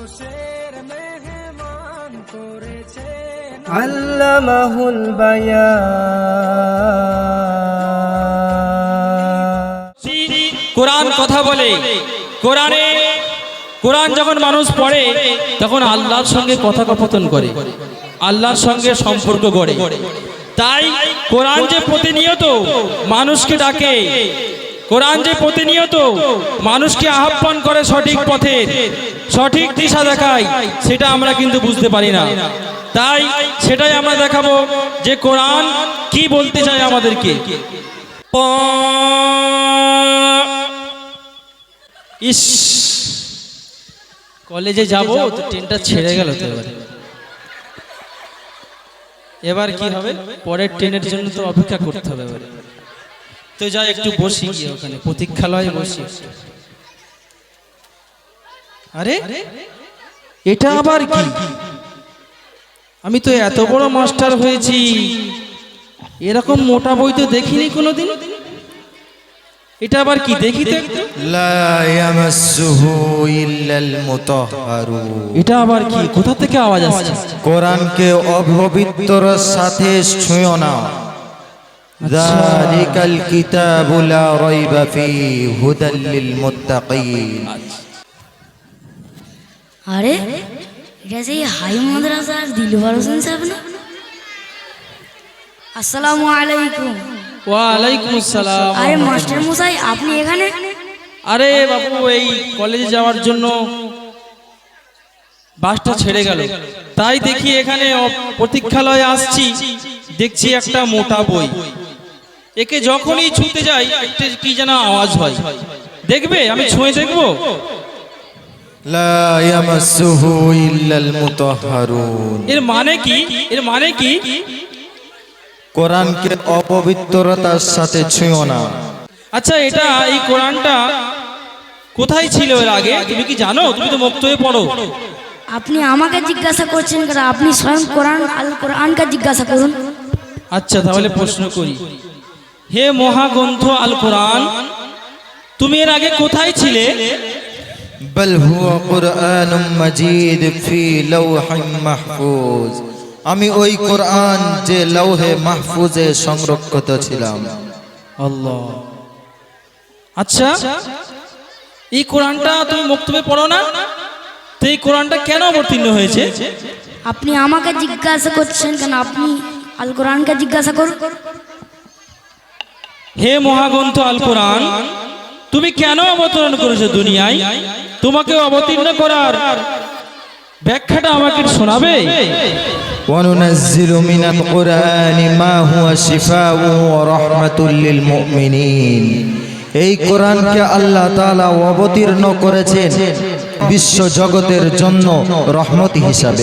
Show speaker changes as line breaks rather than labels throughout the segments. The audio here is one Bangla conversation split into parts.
আল্লামাহুল বায়ান।
কোরআন কথা বলে, কোরআন যখন মানুষ পড়ে তখন আল্লাহর সঙ্গে কথোপকথন করে, আল্লাহর সঙ্গে সম্পর্ক গড়ে। তাই কোরআন যে প্রতিনিয়ত মানুষকে ডাকে, কোরআন যে প্রতিনিয়ত মানুষকে আহ্বান করে সঠিক পথে, সঠিক দিশা দেখায়, সেটা আমরা কিন্তু বুঝতে পারি না। তাই সেটাই আমরা দেখাবো যে কোরআন কি বলতে চায় আমাদেরকে। ইস, কলেজে যাব তো ট্রেনটা ছেড়ে গেল তো এবার কি হবে? পরের ট্রেনের জন্য তো অপেক্ষা করতে হবে। তো যাই একটু বসি গিয়ে ওখানে প্রতীক্ষালয়ে বসি। আরে এটা আবার কি? আমি তো এত বড় মাস্টার হয়েছি, এরকম মোটা বই তো দেখিনি কোনোদিন। এটা আবার কি দেখি তো?
লা ইয়ামাসসুহু ইল্লাল মুতাহহারুন।
এটা আবার কি? কোথা থেকে আওয়াজ আসছে?
কোরআনকে অপবিত্রর সাথে ছুঁয়ো না। যালিকাল কিতাবু লা রাইবা ফীহি হুদাল লিল মুত্তাকিন।
আরে এটা সেই হাই মাদ্রাসার দিলবার হোসেন সাহেব না? আসসালামু আলাইকুম।
ওয়ালাইকুম আসসালাম।
আরে মাস্টার মশাই, আপনি এখানে?
আরে বাবু, এই কলেজে যাওয়ার জন্য বাসটা ছেড়ে গেল, তাই দেখি এখানে প্রতীক্ষালয়ে আসছি। দেখছি একটা মোটা বই, একে যখনই ছুঁতে যাই একটা কি যেন আওয়াজ হয়। দেখবে, আমি ছুঁয়ে দেখবো।
লা ইয়ামাসসুহু ইল্লাল মুতাহহারুন।
এর মানে কি? এর মানে কি?
কোরআনকে অপবিত্রতার সাথে ছুঁয়ো না।
আচ্ছা, এটা এই কোরআনটা কোথায় ছিল এর আগে? তুমি কি জানো? তুমি তো মুক্ত হয়ে পড়ো।
আপনি আমাকে জিজ্ঞাসা করছেন কেন? আপনি স্বয়ং কোরআন আল কোরআনকে জিজ্ঞাসা করুন।
আচ্ছা, তাহলে প্রশ্ন করি। হে মহাগ্রন্থ আল কোরআন, তুমি এর আগে কোথায় ছিলে?
বল হুয়া কুরআনুম মাজিদ ফি লাওহিন মাহফুজ। আমি ওই কোরআন যে লৌহে মাহফুজে সংরক্ষিত ছিলাম।
আল্লাহ। আচ্ছা, এই কোরআনটা তুমি মুক্তবে পড়ো না, তো এই কোরআনটা কেন অবতীর্ণ হয়েছে?
আপনি আমাকে জিজ্ঞাসা করছেন কেন? আপনি আল কোরআনকে জিজ্ঞাসা করুন।
হে মহাগ্রন্থ আল কোরআন, তুমি কেন অবতরণ করেছো দুনিয়ায়? তোমাকে অবতীর্ণ করার ব্যাখ্যাটা আমাকে শোনাবে?
وننزل من القرآن ما هو شفاء ورحمة للمؤمنين। এই কোরআনকে আল্লাহ তাআলা অবতীর্ণ করেছেন বিশ্ব জগতের জন্য রহমত হিসাবে।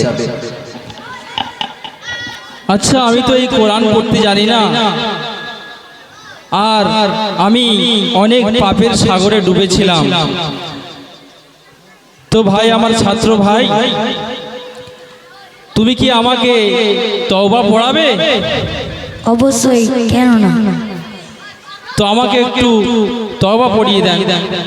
আচ্ছা, আমি তো এই কোরআন পড়তে জানি না, আর আমি অনেক পাপের সাগরে ডুবেছিলাম। তো ভাই, আমার ছাত্র ভাই, তুমি কি আমাকে তওবা পড়াবে?
অবশ্যই, কেন না?
তো আমাকে একটু তওবা পড়িয়ে দেন।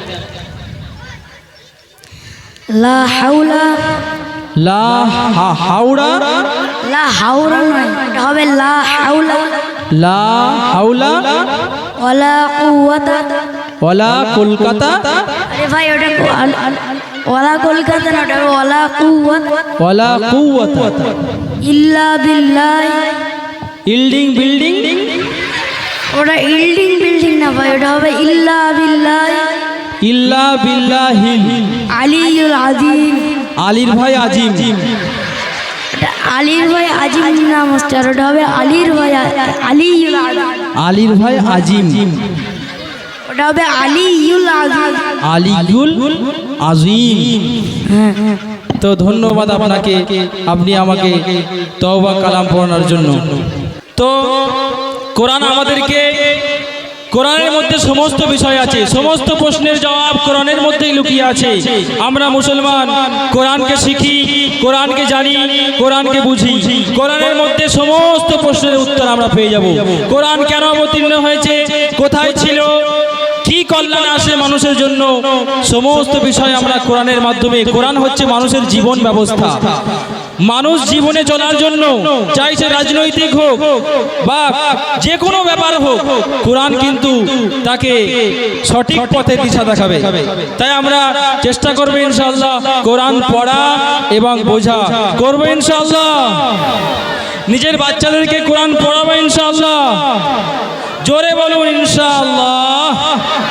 লা হাওলা,
লা হাওড়া,
লা হাওড়া নয়, এটা হবে লা হাওলা
লা হাওলা
ওয়ালা কুওয়াতা।
ওয়ালা কলকাতা।
আরে ভাই, ওটা ওয়ালা কলকাতা না, ওটা ওয়ালা কুওয়াতা।
ওয়ালা কুওয়াতা
ইল্লা বিল্লাহ।
ইল্ডিং বিল্ডিং।
ওটা ইল্ডিং বিল্ডিং না ভাই, ওটা হবে ইল্লা বিল্লাহ।
ইল্লা বিল্লাহিল
আলিয়ুল আজিম।
আলীর ভাই আজিম।
ওটা আলীর ভাই আজিম না মাস্টার, ওটা হবে আলীর ভাই আলিয়ুল আজিম।
আলীর ভাই আজিম।
ওটা হবে আলিয়ুল আজিম।
আলিয়ুল আজিম। তো ধন্যবাদ আপনাকে, আপনি আমাকে তওবা কালাম পড়ানোর জন্য। তো কোরআন আমাদেরকে, কোরআনের মধ্যে সমস্ত বিষয় আছে, সমস্ত প্রশ্নের জবাব কোরআনের মধ্যেই লুকিয়ে আছে। আমরা মুসলমান কোরআনকে শিখি, কোরআনকে জানি, কোরআনকে বুঝি, কোরআনের মধ্যে সমস্ত প্রশ্নের উত্তর আমরা পেয়ে যাব। কোরআন কেন অবতীর্ণ হয়েছে, কোথায় ছিল, কি কল্যাণ আসে মানুষের জন্য, সমস্ত বিষয় আমরা কোরআনের মাধ্যমে, কোরআন হচ্ছে মানুষের জীবন ব্যবস্থা। মানুষ জীবনে চলার জন্য, চাইছে রাজনৈতিক হোক বা যে কোনো ব্যাপার হোক, কোরআন কিন্তু তাকে সঠিক পথে দিশা দেখাবে। তাই আমরা চেষ্টা করব ইনশাআল্লাহ কোরআন পড়া এবং বোঝা করবো ইনশাআল্লাহ। নিজের বাচ্চাদেরকে কোরআন পড়াবো ইনশাআল্লাহ। জোরে বলুন ইনশাআল্লাহ।